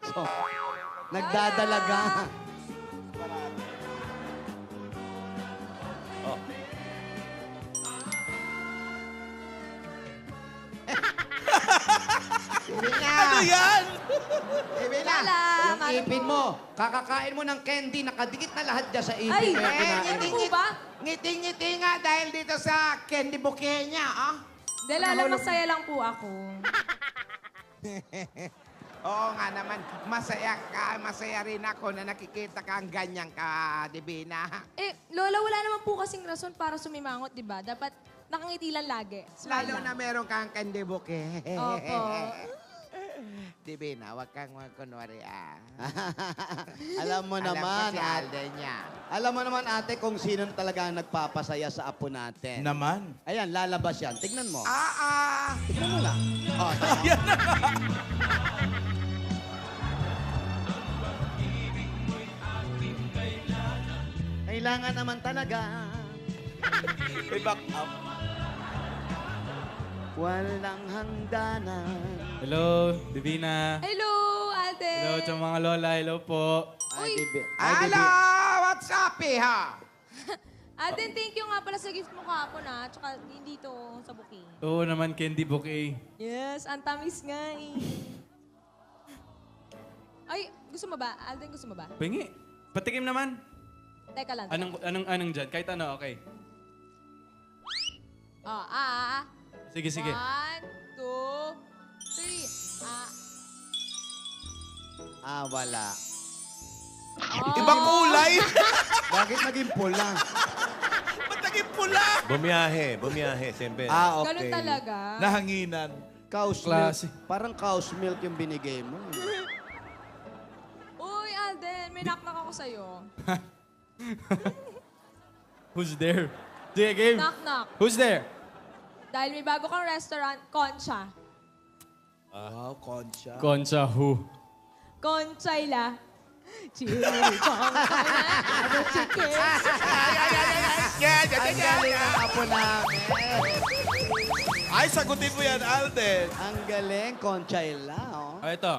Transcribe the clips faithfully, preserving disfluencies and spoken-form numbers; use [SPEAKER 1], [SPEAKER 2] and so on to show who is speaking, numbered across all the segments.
[SPEAKER 1] So, nagdadalaga.
[SPEAKER 2] Oh.
[SPEAKER 3] Ano yan?
[SPEAKER 1] Ibi na.
[SPEAKER 4] Lala,
[SPEAKER 1] Yung
[SPEAKER 4] ano
[SPEAKER 1] ipin
[SPEAKER 4] po?
[SPEAKER 1] mo, kakakain mo ng candy, nakadikit na lahat dyan sa ipin.
[SPEAKER 4] Ay,
[SPEAKER 1] kaya
[SPEAKER 4] eh,
[SPEAKER 1] kinain
[SPEAKER 4] ano
[SPEAKER 1] mo.
[SPEAKER 4] po ba?
[SPEAKER 3] Ngiti-ngiti nga dahil dito sa candy bouquet niya, ah.
[SPEAKER 4] Hindi, Lala, masaya lang po ako.
[SPEAKER 3] Oo nga naman, masaya ka, masaya rin ako na nakikita ka ang ganyan ka, Divina.
[SPEAKER 4] Eh, Lola, wala naman po kasing rason para sumimangot, di ba? Dapat nakangiti lang lagi. Smile
[SPEAKER 3] Lalo
[SPEAKER 4] lang.
[SPEAKER 3] na meron kang candy bouquet.
[SPEAKER 4] Opo.
[SPEAKER 3] Divina, wag kang magkunwari, ah.
[SPEAKER 1] Alam mo
[SPEAKER 3] Alam
[SPEAKER 1] naman,
[SPEAKER 3] ko si
[SPEAKER 1] ate.
[SPEAKER 3] Alden niya.
[SPEAKER 1] Alam mo naman, ate, kung sino talaga ang nagpapasaya sa apo natin.
[SPEAKER 2] Naman.
[SPEAKER 1] Ayan, lalabas yan. Tignan mo.
[SPEAKER 3] Ah, ah.
[SPEAKER 1] Tignan mo lang. Oh, tama. Kailangan naman talaga.
[SPEAKER 2] May back up.
[SPEAKER 1] Walang hangganan.
[SPEAKER 5] Hello, Divina.
[SPEAKER 4] Hello, Alden.
[SPEAKER 5] Hello sa mga lola. Hello po.
[SPEAKER 1] Ay,
[SPEAKER 4] Uy.
[SPEAKER 1] Bibi. Ay,
[SPEAKER 3] Hello,
[SPEAKER 1] Bibi.
[SPEAKER 3] what's up, ha?
[SPEAKER 4] Alden, thank you nga pala sa gift mo kahapon, ha? Tsaka hindi to sa bouquet.
[SPEAKER 5] Oo naman, candy bouquet.
[SPEAKER 4] Yes, ang tamis nga eh. Ay, gusto mo ba? Alden, gusto mo ba?
[SPEAKER 5] Pingi. Patikim naman.
[SPEAKER 4] Teka lang. teka.
[SPEAKER 5] Anong, anong, anong dyan? Kahit ano, okay.
[SPEAKER 4] Oh, ah, ah, ah.
[SPEAKER 5] Sige, sige.
[SPEAKER 4] One, two, three. Ah.
[SPEAKER 1] Ah, wala.
[SPEAKER 4] Oh.
[SPEAKER 2] Ibang kulay.
[SPEAKER 1] Bakit naging pula?
[SPEAKER 2] Ba't naging pula? Bumiyahe, bumiyahe, siyempre.
[SPEAKER 1] Ah, okay.
[SPEAKER 4] Ganun talaga.
[SPEAKER 2] Nahanginan.
[SPEAKER 1] Cow's
[SPEAKER 5] Klase.
[SPEAKER 1] milk. Parang cow's milk yung binigay mo.
[SPEAKER 4] Uy, Alden, may knock-knock ako sa'yo.
[SPEAKER 5] Who's there? Sige, game.
[SPEAKER 4] Knock-knock.
[SPEAKER 5] Who's there?
[SPEAKER 4] Dahil may bago kang restaurant, Concha.
[SPEAKER 2] Wow, Concha.
[SPEAKER 5] Concha who?
[SPEAKER 4] Conchayla. Chiri, Conchayla. Ano chicken?
[SPEAKER 1] Ang galing ang apo namin.
[SPEAKER 2] Ay, sagutin mo yan, Alden.
[SPEAKER 1] Ang galing, Conchayla, oh.
[SPEAKER 5] Ah, ito.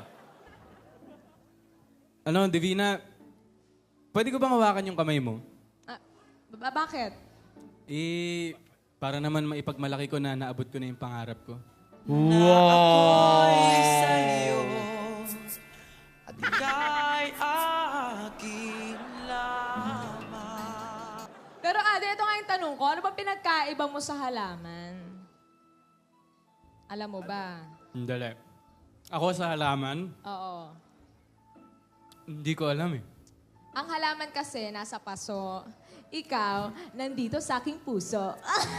[SPEAKER 5] Ano, Divina, pwede ko bang hawakan yung kamay mo?
[SPEAKER 4] Ah, ba- bakit?
[SPEAKER 5] Eh, para naman maipagmalaki ko na naabot ko na yung pangarap ko.
[SPEAKER 4] Pero Ade, ito nga yung tanong ko. Ano ba pinagkaiba mo sa halaman? Alam mo ba?
[SPEAKER 5] Dali. Ako sa halaman,
[SPEAKER 4] Oo.
[SPEAKER 5] hindi ko alam eh.
[SPEAKER 4] Ang halaman kasi nasa paso. Ikaw, nandito sa aking puso.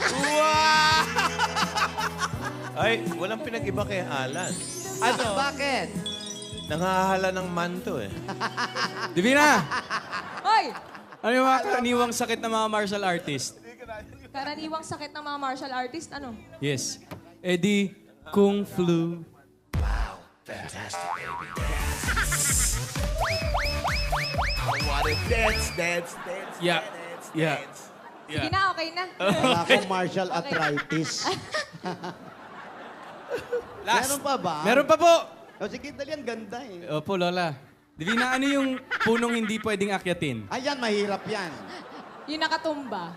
[SPEAKER 2] Ay, walang pinag-iba kay Alan.
[SPEAKER 1] Ano? Bakit?
[SPEAKER 2] Nangahala ng manto eh.
[SPEAKER 5] Divina!
[SPEAKER 4] Hoy!
[SPEAKER 5] Ano yung mga karaniwang sakit ng mga martial artist?
[SPEAKER 4] Karaniwang sakit ng mga martial artist, ano?
[SPEAKER 5] Yes. Eddie, Kung Flu.
[SPEAKER 2] What a dance, dance, dance,
[SPEAKER 5] Yeah.
[SPEAKER 2] dance,
[SPEAKER 5] Yeah.
[SPEAKER 2] dance.
[SPEAKER 4] Sige na, okay na.
[SPEAKER 1] Wala akong martial arthritis.
[SPEAKER 5] Last.
[SPEAKER 1] Meron pa ba?
[SPEAKER 5] Meron pa po!
[SPEAKER 1] O sige, dali, ang ganda eh.
[SPEAKER 5] Opo, Lola. Divina, ano yung punong hindi pwedeng akyatin?
[SPEAKER 1] Ayan, mahirap yan.
[SPEAKER 4] Yung nakatumba.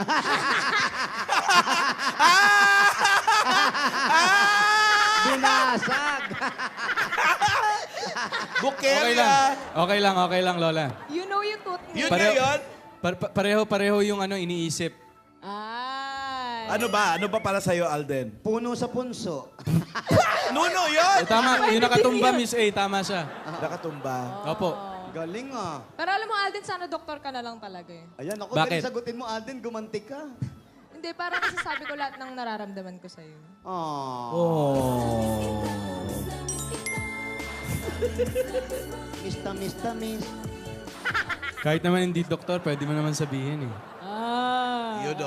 [SPEAKER 1] Binasag.
[SPEAKER 5] Okay
[SPEAKER 2] Bukelya.
[SPEAKER 5] lang. Okay lang, okay lang, Lola.
[SPEAKER 4] You know yung tooth
[SPEAKER 2] Yun
[SPEAKER 4] niya.
[SPEAKER 2] na yun.
[SPEAKER 5] Pa- pa- pareho-pareho yung ano iniisip.
[SPEAKER 4] Ay.
[SPEAKER 2] Ano ba? Ano ba para sa'yo, Alden?
[SPEAKER 1] Puno sa punso.
[SPEAKER 2] Nuno yun!
[SPEAKER 5] Eh, tama, yung nakatumba, Miss A, tama siya.
[SPEAKER 2] Nakatumba.
[SPEAKER 5] Opo.
[SPEAKER 1] Galing ah.
[SPEAKER 4] Pero alam mo, Alden, sana doktor ka na lang talaga eh.
[SPEAKER 1] Ayan, ako
[SPEAKER 5] Bakit?
[SPEAKER 1] dali sagutin mo, Alden, gumanti ka.
[SPEAKER 4] Hindi, parang nasasabi ko lahat ng nararamdaman ko sa'yo.
[SPEAKER 1] Oh.
[SPEAKER 5] Oh.
[SPEAKER 1] Mista, mista, miss.
[SPEAKER 5] Kahit naman hindi doktor, pwede mo naman sabihin eh.
[SPEAKER 4] Ah.
[SPEAKER 2] Yun o.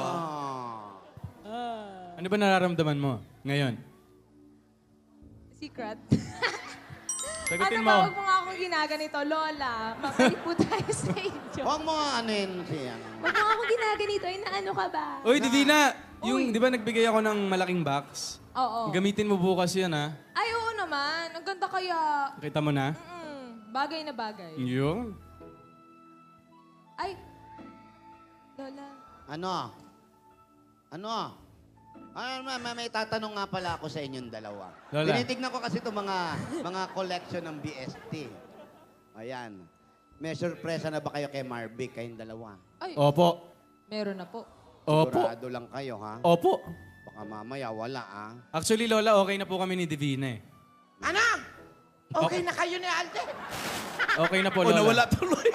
[SPEAKER 1] Ah.
[SPEAKER 5] Ano ba nararamdaman mo ngayon?
[SPEAKER 4] Secret.
[SPEAKER 5] Sagutin
[SPEAKER 4] ano
[SPEAKER 5] mo.
[SPEAKER 4] ba, huwag mo nga akong ginaganito, Lola. Mabalik po tayo sa inyo.
[SPEAKER 1] Huwag mo ano yun siya.
[SPEAKER 4] Huwag mo nga akong ginaganito. Ay, naano ka ba?
[SPEAKER 5] Uy, Divina!
[SPEAKER 4] Uy.
[SPEAKER 5] Yung, di ba nagbigay ako ng malaking box?
[SPEAKER 4] Oo.
[SPEAKER 5] Gamitin mo bukas yan, ha?
[SPEAKER 4] Ay, oo naman. Ang ganda kaya.
[SPEAKER 5] Kita mo na?
[SPEAKER 4] Mm. Bagay na bagay.
[SPEAKER 5] Yung?
[SPEAKER 4] Ay, Lola.
[SPEAKER 1] Ano? Ano? Ano, may, may, may tatanong nga pala ako sa inyong dalawa.
[SPEAKER 5] Lola.
[SPEAKER 1] Tinitignan ko kasi itong mga, mga collection ng B S T. Ayan. May sorpresa na ba kayo kay Marvick, kayong dalawa?
[SPEAKER 4] Ay,
[SPEAKER 5] Opo.
[SPEAKER 4] meron na po.
[SPEAKER 5] Opo.
[SPEAKER 1] Sigurado lang kayo, ha?
[SPEAKER 5] Opo.
[SPEAKER 1] Baka mamaya wala, ah.
[SPEAKER 5] Actually, Lola, okay na po kami ni Divina eh.
[SPEAKER 3] Ano? Okay na kayo ni Alden?
[SPEAKER 5] Okay na po,
[SPEAKER 2] O,
[SPEAKER 5] Lola.
[SPEAKER 2] nawala tuloy.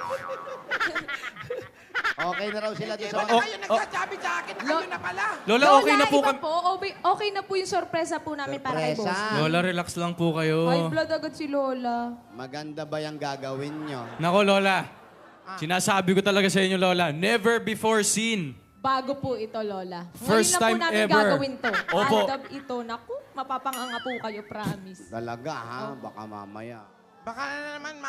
[SPEAKER 1] Okay na raw sila doon
[SPEAKER 3] Di
[SPEAKER 1] sa
[SPEAKER 3] ba
[SPEAKER 1] mga...
[SPEAKER 3] na kayo nagsasabi sa akin na kayo na pala?
[SPEAKER 5] Lola, okay na po
[SPEAKER 4] iba
[SPEAKER 5] kami.
[SPEAKER 4] po. Okay, okay na po yung sorpresa po namin para kay
[SPEAKER 1] Sorpresa.
[SPEAKER 4] Boss.
[SPEAKER 5] Lola, relax lang po kayo.
[SPEAKER 4] High blood agad si Lola.
[SPEAKER 1] Maganda ba yung gagawin nyo?
[SPEAKER 5] Nako, Lola. Sinasabi ko talaga sa inyo, Lola, never before seen.
[SPEAKER 4] Bago po ito, Lola.
[SPEAKER 5] First
[SPEAKER 4] Ngayon na
[SPEAKER 5] time
[SPEAKER 4] po namin
[SPEAKER 5] ever.
[SPEAKER 4] gagawin to.
[SPEAKER 5] Opo.
[SPEAKER 4] Adab ito. Naku, mapapanganga po kayo, promise.
[SPEAKER 1] Talaga, ha? Baka mamaya.
[SPEAKER 3] Baka na naman